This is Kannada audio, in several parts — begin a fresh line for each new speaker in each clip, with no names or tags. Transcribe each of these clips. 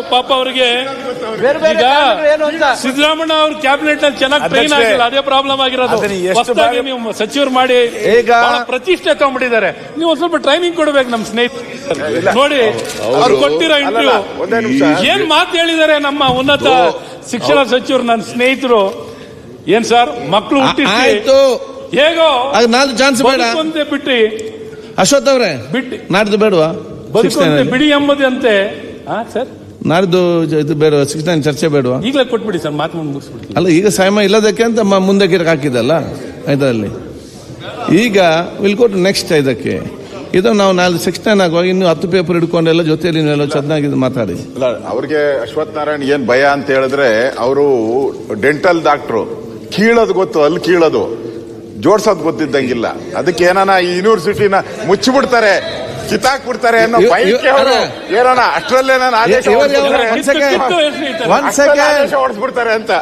ಪಾಪ ಅವರಿಗೆ ಈಗ ಸಿದ್ದರಾಮಯ್ಯ ಅವ್ರ ಕ್ಯಾಬಿನೆಟ್ ನಲ್ಲಿ ಚೆನ್ನಾಗಿ ಟ್ರೈನ್ ಆಗಿಲ್ಲ, ಅದೇ ಪ್ರಾಬ್ಲಮ್ ಆಗಿರೋದು. ಹೊಸದಾಗಿ ನೀವು ಸಚಿವರು ಮಾಡಿ ಪ್ರತಿಷ್ಠೆ ತಗೊಂಡ್ಬಿಟ್ಟಿದ್ದಾರೆ. ನೀವು ಒಂದ್ ಸ್ವಲ್ಪ ಟ್ರೈನಿಂಗ್ ಕೊಡ್ಬೇಕು ನಮ್ಮ ಸ್ನೇಹಿತರು. ನೋಡಿ ಅವ್ರು ಕೊಟ್ಟಿರೋ ಇಂಟರ್ವ್ಯೂ ಏನ್ ಮಾತು ಹೇಳಿದ್ದಾರೆ ನಮ್ಮ ಉನ್ನತ ಶಿಕ್ಷಣ ಸಚಿವರು, ನನ್ನ ಸ್ನೇಹಿತರು. ಏನ್ ಸರ್, ಮಕ್ಕಳು ಹುಟ್ಟಿಸಿ ಹೇಗೋ ಬದುಕುವಂತೆ ಬಿಟ್ಟು
ಅಶ್ವಥ್ ಅವರೇ
ಬಿಟ್ಟು
ನಾಡ್ದು ಬೇಡವಾ
ಬದುಕುವಂತೆ ಬಿಡಿ ಎಂಬುದಂತೆ ಸರ್.
ನಾಡ್ದು ಇದು ಬೇಡ, 69 ಚರ್ಚೆ ಬೇಡವಾ?
ಈಗಲೇ ಕೊಟ್ಬಿಡಿ ಸರ್, ಮಾತು ಮುಗಿಸ್ಬಿಡಿ.
ಅಲ್ಲ, ಈಗ ಸಮಯ ಇಲ್ಲದಕ್ಕೆ ಅಂತ ಮುಂದಕ್ಕೆ ಹಾಕಿದಲ್ಲ ಇದರಲ್ಲಿ. ಈಗ ವಿಲ್ ಗೋ ಟು ನೆಕ್ಸ್ಟ್ ಇದಕ್ಕೆ. ಇದು ನಾವು 69 ಆಗುವಾಗ ಇನ್ನು 10 ಪೇಪರ್ ಹಿಡ್ಕೊಂಡೆಲ್ಲ ಜೊತೆಯಲ್ಲಿ ನೀವೆಲ್ಲ ಚೆನ್ನಾಗಿ ಮಾತಾಡಿ.
ಅಲ್ಲ, ಅವ್ರಿಗೆ ಅಶ್ವಥ್ ನಾರಾಯಣ್ ಏನ್ ಭಯ ಅಂತ ಹೇಳಿದ್ರೆ, ಅವರು ಡೆಂಟಲ್ ಡಾಕ್ಟ್ರು, ಕೀಳೋದು ಗೊತ್ತು, ಅಲ್ಲಿ ಕೀಳೋದು ಜೋಡ್ಸೋದು ಗೊತ್ತಿದ್ದಂಗಿಲ್ಲ. ಅದಕ್ಕೆ ಏನಾನ ಈ ಯೂನಿವರ್ಸಿಟಿನ ಮುಚ್ಚಿಬಿಡ್ತಾರೆ, ಕಿತ್ತಾಕ್ಬಿಡ್ತಾರೆ ಅನ್ನೋ ಬೈಕ್ ಏನೋಣ ಅಷ್ಟರಲ್ಲೇ ನಾನು ಆದೇಶ ಹೊಡಿಸ್ಬಿಡ್ತಾರೆ ಅಂತ.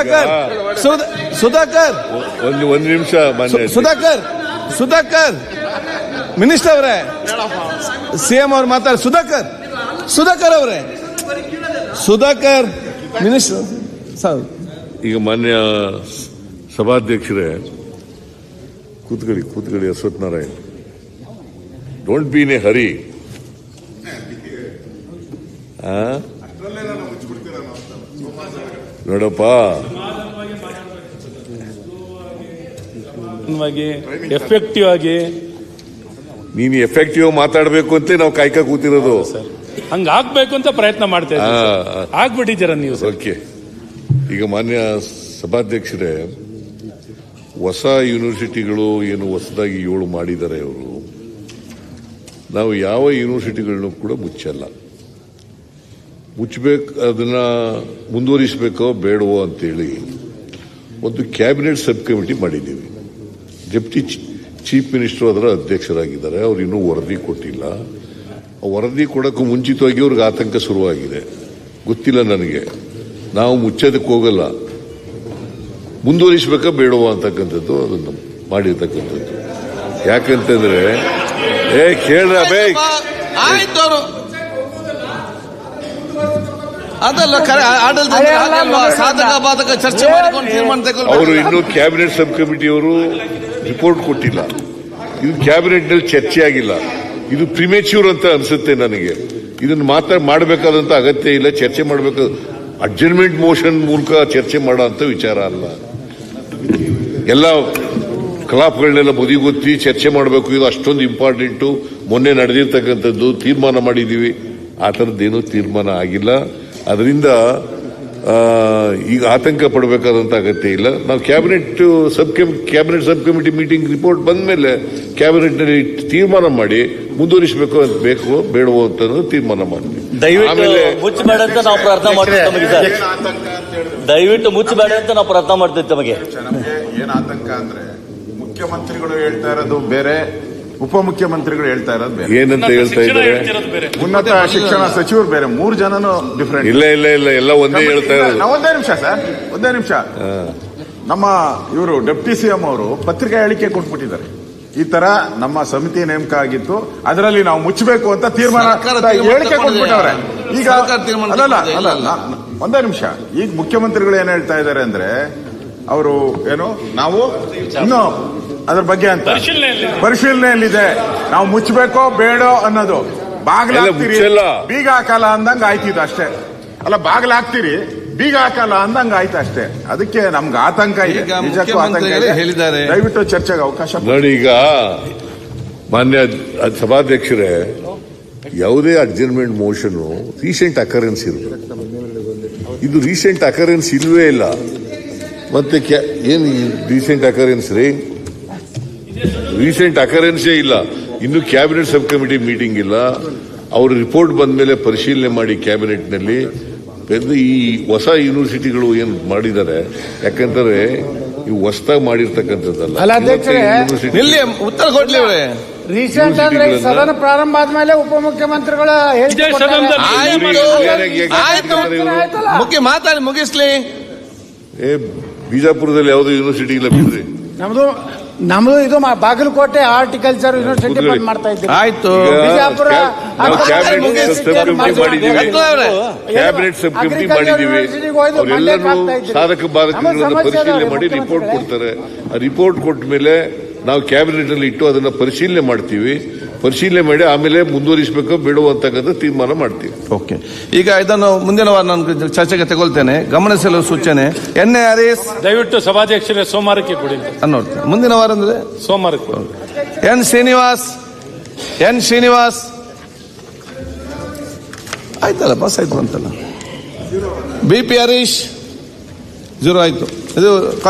ಸುಧಾಕರ್
ಒಂದು ನಿಮಿಷ
ಸುಧಾಕರ್ ಮಿನಿಸ್ಟರ್ ಅವರೇ, ಸಿಎಂ ಅವ್ರು ಮಾತಾಡ. ಸುಧಾಕರ್ ಅವರೇ, ಸುಧಾಕರ್ ಮಿನಿಸ್ಟರ್ ಸರ್.
ಈಗ ಮಾನ್ಯ ಸಭಾಧ್ಯಕ್ಷರೇ, ಕೂತ್ಕೊಳ್ಳಿ Ashwath Narayan. Don't be in a hurry. ನೋಡಪ್ಪ,
ಎಫೆಕ್ಟಿವ್ ಆಗಿ
ನೀನು ಎಫೆಕ್ಟಿವ್ ಮಾತಾಡಬೇಕು ಅಂತ ನಾವು ಕಾಯ್ಕ ಕೂತಿರೋದು.
ಹಂಗ ಆಗ್ಬೇಕು ಅಂತ ಪ್ರಯತ್ನ ಮಾಡ್ತಾ ಇದ್ದೀವಿ, ಆಗ್ಬಿಟ್ಟಿದ್ದೀರ ನೀವು.
ಓಕೆ. ಈಗ ಮಾನ್ಯ ಸಭಾಧ್ಯಕ್ಷರೇ, ಹೊಸ ಯೂನಿವರ್ಸಿಟಿಗಳು ಏನು ಹೊಸದಾಗಿ 7 ಮಾಡಿದ್ದಾರೆ ಅವರು. ನಾವು ಯಾವ ಯೂನಿವರ್ಸಿಟಿಗಳನ್ನು ಕೂಡ ಮುಚ್ಚಲ್ಲ. ಮುಚ್ಚಬೇಕು, ಅದನ್ನ ಮುಂದುವರಿಸಬೇಕೋ ಬೇಡವೋ ಅಂತೇಳಿ ಒಂದು ಕ್ಯಾಬಿನೆಟ್ ಸಬ್ ಕಮಿಟಿ ಮಾಡಿದ್ದೀವಿ. ಡೆಪ್ಟಿ ಚೀಫ್ ಮಿನಿಸ್ಟರ್ ಅದರ ಅಧ್ಯಕ್ಷರಾಗಿದ್ದಾರೆ. ಅವ್ರು ಇನ್ನೂ ವರದಿ ಕೊಟ್ಟಿಲ್ಲ. ವರದಿ ಕೊಡೋಕ್ಕೂ ಮುಂಚಿತವಾಗಿ ಅವ್ರಿಗೆ ಆತಂಕ ಶುರುವಾಗಿದೆ. ಗೊತ್ತಿಲ್ಲ ನನಗೆ. ನಾವು ಮುಚ್ಚೋದಕ್ಕೆ ಹೋಗಲ್ಲ, ಮುಂದುವರಿಸಬೇಕಾ ಬೇಡವಾ ಅಂತಕ್ಕಂಥದ್ದು ಅದನ್ನು ಮಾಡಿರ್ತಕ್ಕಂಥದ್ದು. ಯಾಕಂತಂದ್ರೆ ಕೇಳ್ರ
ಆಯ್ತು, ಅದಲ್ಲ ಸಾಧಕ ಬಾಧಕ ಚರ್ಚೆ ಮಾಡಿಕೊಂಡು ತೀರ್ಮಾನ ತಗೊಳ್ಳಿ.
ಅವರು ಇನ್ನೂ ಕ್ಯಾಬಿನೆಟ್ ಸಬ್ ಕಮಿಟಿಯವರು ರಿಪೋರ್ಟ್ ಕೊಟ್ಟಿಲ್ಲ. ಇದು ಕ್ಯಾಬಿನೆಟ್ ನಲ್ಲಿ ಚರ್ಚೆ ಆಗಿಲ್ಲ. ಇದು ಪ್ರಿಮೇಚ್ಯೂರ್ ಅಂತ ಅನ್ಸುತ್ತೆ ನನಗೆ. ಇದನ್ನು ಮಾಡಬೇಕಾದಂತ ಅಗತ್ಯ ಇಲ್ಲ. ಚರ್ಚೆ ಮಾಡಬೇಕು, ಅಡ್ಜರ್ನ್ಮೆಂಟ್ ಮೋಷನ್ ಮೂಲಕ ಚರ್ಚೆ ಮಾಡೋ ಅಂತ ವಿಚಾರ ಅಲ್ಲ. ಎಲ್ಲ ಕಲಾಪಗಳನ್ನೆಲ್ಲ ಬದಿಗೊತ್ತಿ ಚರ್ಚೆ ಮಾಡಬೇಕು. ಇದು ಅಷ್ಟೊಂದು ಇಂಪಾರ್ಟೆಂಟು. ಮೊನ್ನೆ ನಡೆದಿರ್ತಕ್ಕಂಥದ್ದು ತೀರ್ಮಾನ ಮಾಡಿದ್ದೀವಿ. ಆ ಥರದ್ದೇನೂ ತೀರ್ಮಾನ ಆಗಿಲ್ಲ. ಅದರಿಂದ ಈಗ ಆತಂಕ ಪಡಬೇಕಾದಂತ ಅಗತ್ಯ ಇಲ್ಲ. ನಾವು cabinet sub committee meeting report ಬಂದ ಮೇಲೆ ಕ್ಯಾಬಿನೆಟ್ ನಲ್ಲಿ ತೀರ್ಮಾನ ಮಾಡಿ ಮುಂದುವರಿಸಬೇಕು ಅಂತ ಬೇಕೋ ಬೇಡವೋ ಅಂತ ತೀರ್ಮಾನ ಮಾಡ್ತೀವಿ.
ದಯವಿಟ್ಟು ಮುಚ್ಚಬೇಡ ಅಂತ ನಾವು ಪ್ರಾರ್ಥನೆ ಮಾಡ್ತೀವಿ ತಮಗೆ ಸರ್. ದಯವಿಟ್ಟು ಮುಚ್ಚಬೇಡ ಅಂತ ನಾವು ಪ್ರಾರ್ಥನೆ ಮಾಡ್ತೀವಿ ತಮಗೆ.
ಏನ್ ಆತಂಕ ಅಂದ್ರೆ, ಮುಖ್ಯಮಂತ್ರಿಗಳು ಹೇಳ್ತಾ ಇರೋದು ಬೇರೆ, ಉಪಮುಖ್ಯಮಂತ್ರಿಗಳು ಹೇಳ್ತಾ ಇರೋದು ಬೇರೆ.
ಏನಂತ ಹೇಳ್ತಾ ಇದ್ದಾರೆ?
ಉನ್ನತ ಶಿಕ್ಷಣ ಸಚಿವರು ಬೇರೆ. 3 ಜನನು ಡಿಫರೆಂಟ್.
ಇಲ್ಲ ಎಲ್ಲ ಒಂದೇ ಹೇಳ್ತಾ ಇರೋದು.
ಒಂದೇ ನಿಮಿಷ ಸರ್, ಒಂದೇ ನಿಮಿಷ. ನಮ್ಮ ಇವರು ಡೆಪ್ಟಿ ಸಿಎಂ ಅವರು ಪತ್ರಿಕಾ ಹೇಳಿಕೆ ಕೊಟ್ಬಿಟ್ಟಿದ್ದಾರೆ. ಈ ತರ ನಮ್ಮ ಸಮಿತಿ ನೇಮಕ ಆಗಿತ್ತು, ಅದರಲ್ಲಿ ನಾವು ಮುಚ್ಚಬೇಕು ಅಂತ ತೀರ್ಮಾನ ಹೇಳಿಕೆ ಕೊಟ್ಬಿಟ್ಟವ್ರೆ. ಈಗ ಅಲ್ಲ, ಒಂದೇ ನಿಮಿಷ. ಈಗ ಮುಖ್ಯಮಂತ್ರಿಗಳು ಏನ್ ಹೇಳ್ತಾ ಇದ್ದಾರೆ ಅಂದ್ರೆ, ಅವರು ಏನು ನಾವು ಇನ್ನು ಅದ್ರ ಬಗ್ಗೆ ಅಂತ ಪರಿಶೀಲನೆಯಲ್ಲಿದೆ, ನಾವು ಮುಚ್ಚಬೇಕೋ ಬೇಡೋ ಅನ್ನೋದು. ಬಾಗ್ಲಾಗ್ತೀರಿ, ಬೀಗ ಹಾಕಲ್ಲ ಅಂದಂಗ ಆಯ್ತಿದ್ದು ಅಷ್ಟೇ. ಅಲ್ಲ, ಬಾಗ್ಲಾಗ್ತೀರಿ, ಬೀಗ ಹಾಕಲ್ಲ ಅಂದಂಗ ಆಯ್ತು ಅಷ್ಟೇ. ಅದಕ್ಕೆ ನಮ್ಗೆ ಆತಂಕ ಇದೆ, ನಿಜಕ್ಕೂ ಆತಂಕ ಇದೆ. ಹೇಳಿದ್ದಾರೆ, ದಯವಿಟ್ಟು ಚರ್ಚೆಗೆ ಅವಕಾಶ
ನೋಡಿ. ಈಗ ಮಾನ್ಯ ಸಭಾಧ್ಯಕ್ಷರೇ, ಯಾವುದೇ ಅಡ್ಜರ್ನ್ಮೆಂಟ್ ಮೋಷನ್ ರೀಸೆಂಟ್ ಅಕರೆನ್ಸ್ ಇರಬೇಕು. ಇದು ರೀಸೆಂಟ್ ಅಕರೆನ್ಸ್ ಇಲ್ವೇ ಇಲ್ಲ. ಮತ್ತೆ ಏನು ರೀಸೆಂಟ್ ಅಕರೆನ್ಸ್ ರೀ? ರೀಸೆಂಟ್ ಅಕರೆನ್ಸೇ ಇಲ್ಲ. ಇನ್ನು ಕ್ಯಾಬಿನೆಟ್ ಸಬ್ ಕಮಿಟಿ ಮೀಟಿಂಗ್ ಇಲ್ಲ. ಅವ್ರ ರಿಪೋರ್ಟ್ ಬಂದ ಮೇಲೆ ಪರಿಶೀಲನೆ ಮಾಡಿ ಕ್ಯಾಬಿನೆಟ್ ನಲ್ಲಿ ಈ ಹೊಸ ಯೂನಿವರ್ಸಿಟಿಗಳು ಏನು ಮಾಡಿದ್ದಾರೆ. ಯಾಕಂದ್ರೆ ಇವು ಹೊಸದಾಗಿ ಮಾಡಿರ್ತಕ್ಕಂಥದ್ದಲ್ಲ.
ಉತ್ತರ ಕೊಡ್ಲಿ
ರೀಸೆಂಟ್ ಅಂದ್ರೆ ಸದನ ಪ್ರಾರಂಭ ಆದ್ಮೇಲೆ ಉಪಮುಖ್ಯಮಂತ್ರಿಗಳ
ಮುಖ್ಯ ಮಾತಾಡಿ ಮುಗಿಸ್ಲಿ.
ಬಿಜಾಪುರದಲ್ಲಿ ಯಾವುದೋ ಯೂನಿವರ್ಸಿಟಿ ಇಲ್ಲ ಬಿಡ್ರಿ.
ನಮ್ದು ನಮ್ದು ಇದು ಬಾಗಲಕೋಟೆ ಹಾರ್ಟಿಕಲ್ಚರ್ ಯೂನಿವರ್ಸಿಟಿ ಬಂದ್ ಮಾಡ್ತಾ ಇದ್ದೀವಿ.
ಆಯ್ತು.
ಬಿಜಾಪುರ
ನಾವು ಕ್ಯಾಬಿನೆಟ್ ಸಬ್ ಕಮಿಟಿ ಮಾಡಿದ್ದೀವಿ, ಕ್ಯಾಬಿನೆಟ್ ಸಬ್ ಕಮಿಟಿ ಮಾಡಿದ್ದೀವಿ. ಅವರೆಲ್ಲರೂ ಸಾಧಕ ಬಾಧಕಗಳನ್ನು ಪರಿಶೀಲನೆ ಮಾಡಿ ರಿಪೋರ್ಟ್ ಕೊಡ್ತಾರೆ. ಆ ರಿಪೋರ್ಟ್ ಕೊಟ್ಟ ಮೇಲೆ ನಾವು ಕ್ಯಾಬಿನೆಟ್ ಅಲ್ಲಿ ಇಟ್ಟು ಅದನ್ನ ಪರಿಶೀಲನೆ ಮಾಡ್ತೀವಿ. ಪರಿಶೀಲನೆ ಮಾಡಿ ಆಮೇಲೆ ಮುಂದುವರಿಸಬೇಕು ಬೇಡೋ ಅಂತಕ್ಕಂಥ ತೀರ್ಮಾನ ಮಾಡ್ತೀವಿ.
ಓಕೆ, ಈಗ ಇದನ್ನು ಮುಂದಿನ ವಾರ ನಾನು ಚರ್ಚೆಗೆ ತಗೊಳ್ತೇನೆ. ಗಮನಿಸಲು ಸೂಚನೆ. ಎನ್ಎ ಹರೀಶ್
ದಯವಿಟ್ಟು ಸಭಾಧ್ಯಕ್ಷರೇ ಸೋಮವಾರಕ್ಕೆ ಕೊಡಿ.
ನೋಡ್ತೇನೆ ಮುಂದಿನ ವಾರ ಅಂದ್ರೆ
ಸೋಮವಾರಕ್ಕೆ.
ಎನ್ ಶ್ರೀನಿವಾಸ್ ಆಯ್ತಲ್ಲ, ಪಾಸ್ ಆಯ್ತು ಅಂತಲ್ಲ. ಬಿ ಪಿ ಹರೀಶ್ 0 ಆಯ್ತು. ಇದು